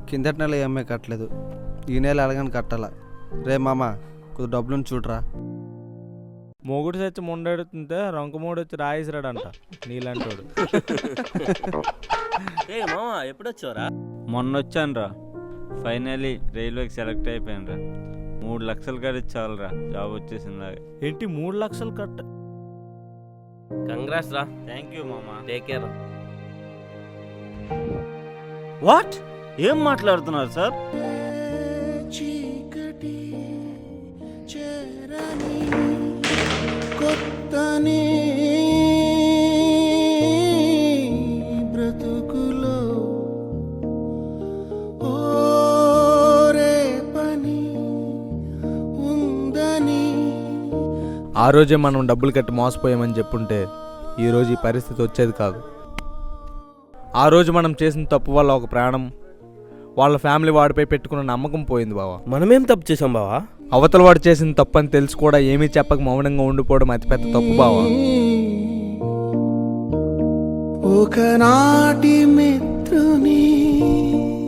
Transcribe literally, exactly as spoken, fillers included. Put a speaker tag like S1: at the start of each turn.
S1: కిందటి నెల ఈఎంఐ కట్టలేదు, ఈ నెల ఎలాగని కట్టాలా. రే మామ కొద్ది డబ్బులను చూడరా.
S2: మొగుడు చచ్చి ముండెడుతుంటే రంకమూడు వచ్చి రాయిసిరాడంట నీలంటోడు.
S3: ఏ మామ ఎప్పుడొచ్చావురా?
S4: మొన్న వచ్చాను రా, ఫైనలీ రైల్వేకి సెలెక్ట్ అయిపోయాను రా. మూడు లక్షలు కడిచి చాలరా, జాబ్ వచ్చేసింది.
S2: ఏంటి మూడు లక్షలు కట్ట?
S3: కంగ్రాట్స్ రా.
S4: థ్యాంక్ యూ మామా.
S3: Take care.
S4: వాట్? ఏం మాట్లాడుతున్నారు సార్?
S2: ఆ రోజే మనం డబ్బులు కట్టి మోసపోయామని చెప్పుంటే ఈరోజు ఈ పరిస్థితి వచ్చేది కాదు. ఆ రోజు మనం చేసిన తప్పు వల్ల ఒక ప్రాణం, వాళ్ళ ఫ్యామిలీ వాడిపై పెట్టుకున్న నమ్మకం పోయింది బావా.
S3: మనమేం తప్పు చేసాం బావా?
S2: అవతల వాడు చేసిన తప్పు అని తెలిసి కూడా ఏమీ చెప్పక మౌనంగా ఉండిపోవడం అతిపెద్ద తప్పు బావా.
S5: ఒకనాటి మిత్రుని